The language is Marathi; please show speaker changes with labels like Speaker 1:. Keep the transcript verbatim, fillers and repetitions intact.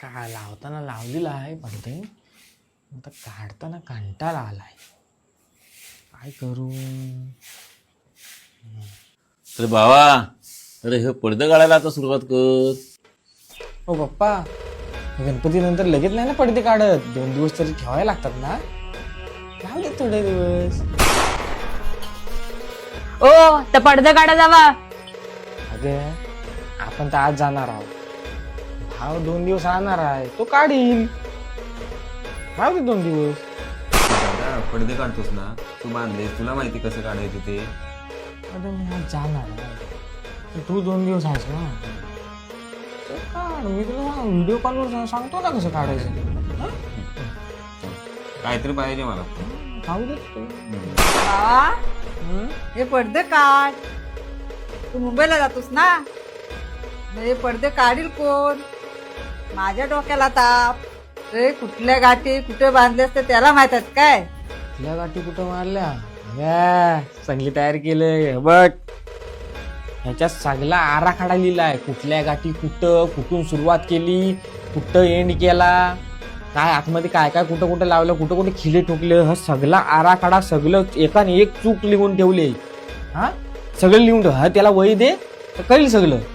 Speaker 1: का लावताना लावलेला आहे पडते, आता काढताना कंटाळा आलाय. काय करू?
Speaker 2: तर भावा, अरे हे पडदे काढायला आता सुरुवात कर.
Speaker 1: हो पप्पा, गणपती नंतर लगेच नाही ना पडदे काढत, दोन दिवस तरी ठेवायला लागतात ना. लावू दे थोडे दिवस.
Speaker 3: ओ तर पडदे काढा जावा.
Speaker 1: अगे आपण तर आज जाणार आहोत, भाव दोन दिवस राहणार आहे, तो काढील. राहू दे दोन दिवस.
Speaker 2: दादा पडदे काढतोस ना तू, बांधले तुला माहिती कसं काढायचं ते.
Speaker 1: अरे मी आज जाणार आहे, तर तू दोन दिवस आहेस ना, तर काढ. मी तुला व्हिडिओ कॉलवर सांगतो ना कसं काढायचं.
Speaker 2: काहीतरी पाहिजे मला.
Speaker 1: खाऊ दे तू.
Speaker 4: बाबा
Speaker 1: हं?
Speaker 4: हे पडदे काढ. तू मुंबईला जातोस ना, मग हे पडदे काढील कोण? माझ्या डोक्याला ताप. रे कुठल्या गाठी कुठे बांधले असते त्याला माहित आहेत काय?
Speaker 1: तुला गाठी कुठं मारल्या? अगं, चांगली तयार केलंय बघ. ह्याच्यात सगळा आराखडा लिहिलाय, कुठल्या गाठी कुठं, कुठून सुरुवात केली, कुठं एंड केला, काय आतमध्ये काय काय कुठं कुठं लावलं, कुठं कुठे खिले ठोकले, हा सगळा आराखडा सगळं एकाने एक चूक लिहून ठेवले. हा सगळं लिहून ठेव. हा त्याला वही दे तर कळेल सगळं.